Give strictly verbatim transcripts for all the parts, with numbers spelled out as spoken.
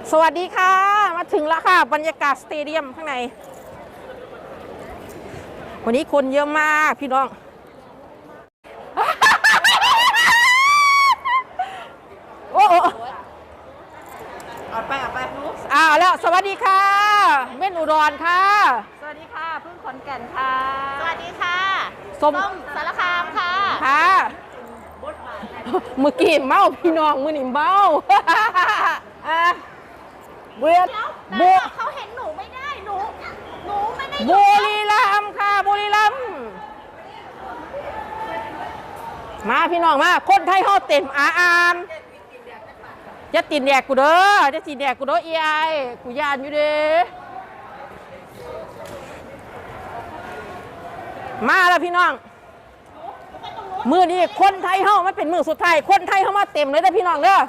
สวัสดีค่ะมาถึงแล้วค่ะบรรยากาศสเตเดียมข้างในวันนี้คนเยอะมากพี่น้องโอ้โหเอาไปเอาไปลูกอ้าวแล้วสวัสดีค่ะเม่นอุดรค่ะสวัสดีค่ะพึ่งขอนแก่นค่ะสวัสดีค่ะส้มสารคามค่ะค่ะเมื่อกี้เมาพี่น้องมือหนิเมาอ่ะเบียดบุเขาเห็นหนูไม่ได้หนูหนูไม่ได้บุรีรัมย์ค่ะบุรีรัมย์มาพี่น้องมาคนไทยเขาเต็มอาอามจะติดแดกกูเด้อจะติดแดกกูเด้อเอไอกูยานอยู่เด้มาแล้วพี่น้องมือนี้คนไทยเฮามันเป็นมือสุดท้ายคนไทยเฮามาเต็มเลยนะพี่น้องเด้อ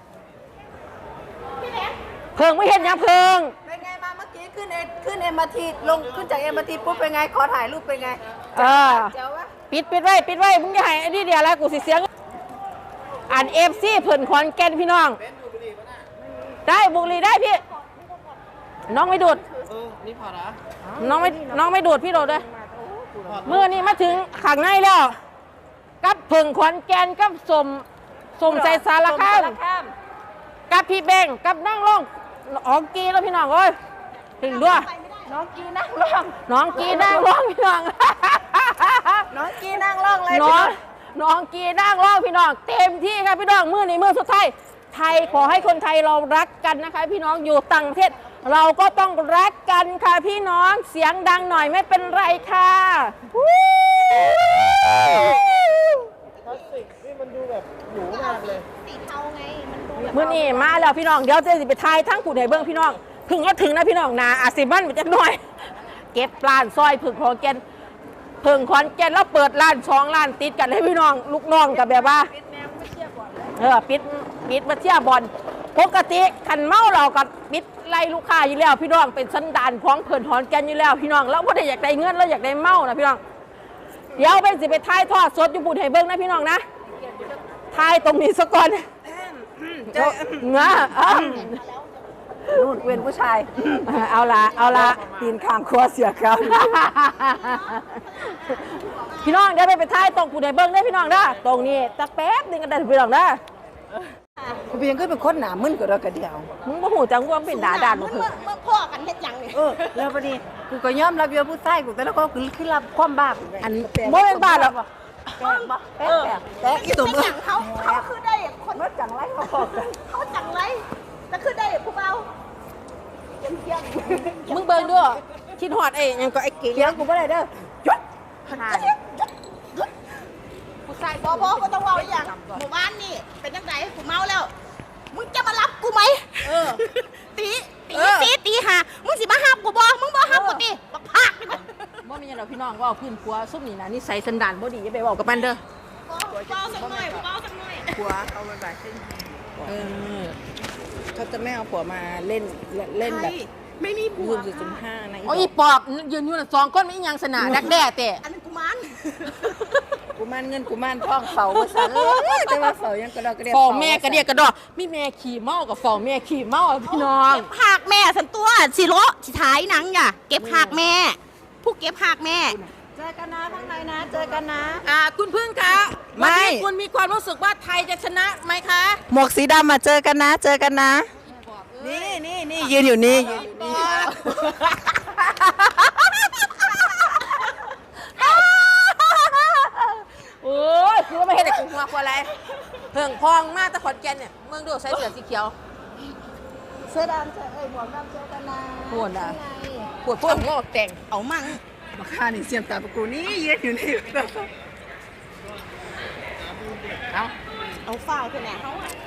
เพิงไม่เห็นยังเพิงเป็นไงมาเมื่อกี้ขึ้นเอขึ้นเอ็มอาร์ทีลงขึ้นจากเอ็มอาร์ทีปุ๊บเป็นไงขอถ่ายรูปเป็นไงเออปิดปิดไว้ปิดไว้มึงจะให้ไอ้นี่เดียวแล้วกูสิเสียงอ่านเอฟซีเพิ่นขอนแก่นพี่น้องได้บุรีได้พี่น้องไม่ดูดเออนี่พอละน้องไม่น้องไม่ดูดพี่โดดเลยเมื่อนี้มาถึงข้างในแล้วกับเพิ่งขอนแก่นกับสมสมใจสารคามกับพี่เบงกับนั่งลงออกกีแล้วพี่น้องเอ้ยถึงด้วยน้องกีนั่งร้องน้องกีนั่งร้องพี่น้องน้องกีนั่งร้องเลยน้องน้องกีนั่งร้องพี่น้องเต็มที่ครับพี่น้องมือนี้มือสุดท้ายไทยขอให้คนไทยเรารักกันนะคะพี่น้องอยู่ต่างประเทศเราก็ต้องรักกันค่ะพี่น้องเสียงดังหน่อยไม่เป็นไรค่ะคลาสสิกนี่มันดูแบบหรูมากเลยสีเทาไงมันดูแบบมื่อนี้มาแล้วพี่น้องเดี๋ยวจะไปทายทั้งผู้ใดเบื้องพี่น้องพึ่งก็ถึงนะพี่น้องนาอาซิมันมันจะหน่อยเก็บปลานซอยพึ่งขอนแก่นพึ่งขอนแก่นแล้วเปิดร้านช่องร้านติดกันให้พี่น้องลูกน้องกับแบบว่าเออปิดปิดมาเที่ยวบอลปกติขันเมาเรากับปิดไล่ลูกค้าอยู่แล้วพี่น้องเป็นสันดานของเพิ่นขอนแก่นอยู่แล้วพี่น้องแล้วพอได้อยากได้เงินแล้วอยากได้เมานะพี่น้องเดี๋ยวเป็นสิไปทายทอดสดอยู่บุญให้เบิ้งนะพี่น้องนะทายตรงนี้ซะก่อนเงานู่นเว้นผู้ชายเอาละเอาละตีนข้างครัวเสียครับพี่น้องเดี๋ยวไปไปทายตรงผู้ใดเบิ้งได้พี่น้องนะตรงนี้ตักแป๊บนึงกันได้พี่น้องนะกูเพียงก็เป็นคนหนามึนกับเรากระเดียวมึงบ่หูจังว่าเป็นด่าด่านมึงเมื่อพ่อกันเฮ็ดยังเนี่ยเออแล้วพอดีกูก็ยอมรับเยอะผู้ชายกูแต่แล้วก็คือคือรับความบ้าอันโมเป็นบ้าหรอกแป๊กบ่แป๊กแป๊กอีตุ่มเขาเขาคือได้คนว่าจังไรเขาบอกเขาจังไรแต่คือได้ผู้เบาเยี่ยมเยี่ยมมึงเบิ่งด้วยคิดหอดเองยังก็ไอ้เก๋เลี้ยงกูไม่ได้เด้อจุดผู้ชายบอบอก็ต้องเบาอย่างหมู่บ้านนี่เป็นยังไงกูเมาแล้วมึงจะมารับกูไหมเออตีตีตีตีหามึงสิมาห้ามกูบอมึงบอห้ามกูตีบักพากดิมั้ยบ่มีหรอกพี่น้องว่าพื้นครัวซุ่มนี่นะนี่ใส่สันดานบ่ดีอย่าไปบอกกับมันเด้อเบาสักหน่อยเบาสักหน่อยผัวเอาไปแบบเส้นเออเขาจะไม่เอาผัวมาเล่นเล่นแบบไม่มีผัวจุดจุดห้านะอ๋ออีปอบยืนอยู่น่ะสองก้นไม่ยังสนาดักแด้แต่อันนั้นกุมารกุมารเงินกุมารทองเฝ้าภาษาเออแต่ว่าเฝ้ายังกระดอกกระเดียเฝ้าแม่กระเดียกระดอกมีแม่ขี่เมากับเฝ้าแม่ขี่เมาพี่น้องเก็บหักแม่สันตัวสิโลสิท้ายหนังอย่าเก็บหักแม่ผู้เก็บหักแม่เจอกันนะข้างในนะเจอกันนะอ่าคุณพึ่งคะวันนี้คุณมีความรู้สึกว่าไทยจะชนะไหมคะหมวกสีดำมาเจอกันนะเจอกันนะนี่นี่นี่ยืนอยู่นี่ยืนอยู่นี่โอ้ยคือว่าไม่เห็นแต่กลุ่มหัวกว่าอะไรเพิ่งพองมากแต่ขอนแก่นเนี่ยเมืองดูใส่เสื้อสีเขียวเสื้อดำเสื้อเอ้ยหมวกดำเจอกันนะปวดอ่ะปวดปวดงอกแต่งเอามั่งมาฆ่านี่เสียมตาประกูนี่ยืนอยู่นี่เอาเอาฝ้าคือแหนเขาอ่ะ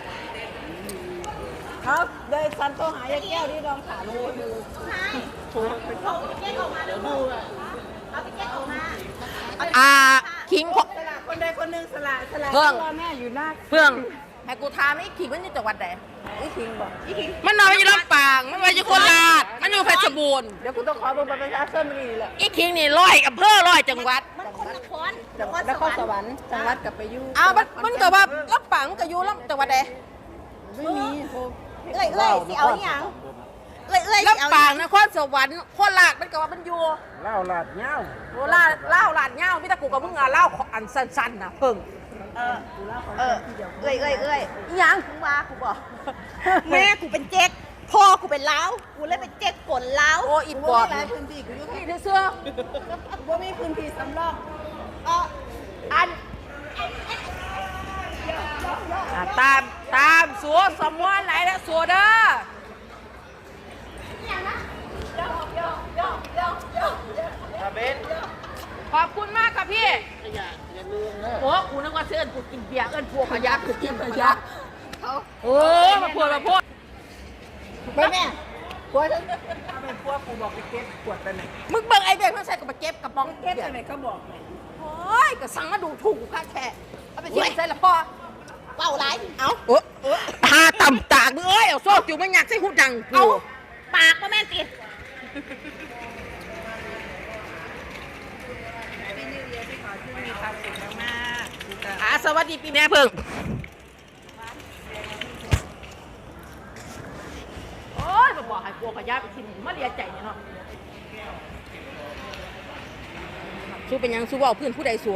ครับเดยซันโตหายาแก้วที่รองขาลงมือใช่ถูกเอาไปแก้ออกมาเดี๋ยวดูเอาไปแก้ออกมาอ่าคิงสละคนใดคนหนึ่งสละสละเพื่องแม่อยู่หน้าเพื่องให้กูถามไอ้คิงมันอยู่จังหวัดไหนไอ้คิงบอกไอ้คิงมันนอนอยู่ลำปางมันมาอยู่โคราชมันอยู่เพชรบูรณ์เดี๋ยวกูต้องขอบัตรประชาชนมานี่แหละไอ้คิงนี่ร้อยอำเภอร้อยจังหวัดมันคนนครจังหวัดนครสวรรค์จังหวัดกับไปยู่อ้าวมันมันก็ว่าลำปางมันก็อยู่ลำจังหวัดไหนไม่มีโอเคเอ้ยเอ้ยสิเอาอหย่างเอ้ยเอ้ยสิเอาลำปางนครสวรรค์โคราชมันก็ว่ามันอยู่เล่าลาดเงาโคราชเล่าวลาดเหย้ามีแต่กูกับมึงอ่ะเล่าอันสั้นๆน่ะเพิ่งเออเออเอ้ยเอ้ยเอ้ยอีหยังมึงว่ากูบอกแม่กูเป็นเจ๊กพ่อกูเป็นล้าวกูเลยเป็นเจ๊กกลล้าวโอ้อีปอบหลายพื้นที่กูอยู่นี่เสื้อว่ามีพื้นที่สำรองเอออันอ่ะตามตามสัวสมวนไหนแล้วสัวเด้อขอบคุณมากครับพี่อย่าอย่าลืมนะโอ้กูนึกว่าเสื้อกูกินเบียร์เอิ้นพวกขยักกูกินขยักโอ้มาพูดมาพูดไปแม่กลัวถ้าเป็นพวกกูบอกไปเก็บขวดไปไหนมึงเบิ่งไอ้เด็กมันใส่กับมาเก็บกระป๋องเก็บเบียไปร์ไหนเขาบอกไหนโอ้ยก็สั่งมาดูถูกกูค่าแค่เอาไปเที่ยวใส่ละพ่อเป่าไรเอาโอ้ตาต่ำตากมึงเอ้ยเอาโซ่จิ๋วมันอยากใส่หูดังเอากูปากมาแม่นติพี่นิวเยียร์ที่ขอที่มีความสุขมากๆอ่าสวัสดีปีแม่เพิ่งโอ้ยมาบอกให้กลัวขยะไปทิ้งมาเลียใจเนี่ยเนาะสู้เป็นหยังสู้เว่าพื้นผู้ใดสัว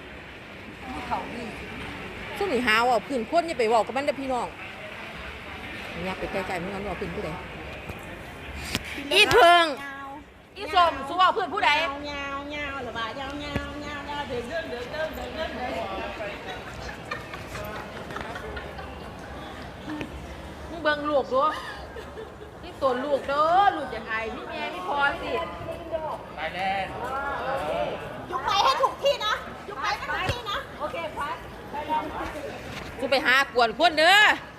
สู้หนีหาเว่าพื้นคนอย่าไปเว่ากับมันเด้อพี่น้องอย่าไปใกล้ๆมันงั้นเว่าพื้นผู้ใดอีเพิงอีสมสู้เว่าพื้นผู้ใดยาวยาวยาวหรือว่ายาวยาวยาวยาวเดินเดินเดินเดินเดินเดินเดินมึงเบิ่งลูกดูนี่ตัวลูกเด้อลูกอย่างไงนี่แม่นี่พอสิไปแล้วยุกไปให้ถูกที่นะยุกไปให้ถูกที่นะโอเคพัดกูไปหากวนคนเด้อ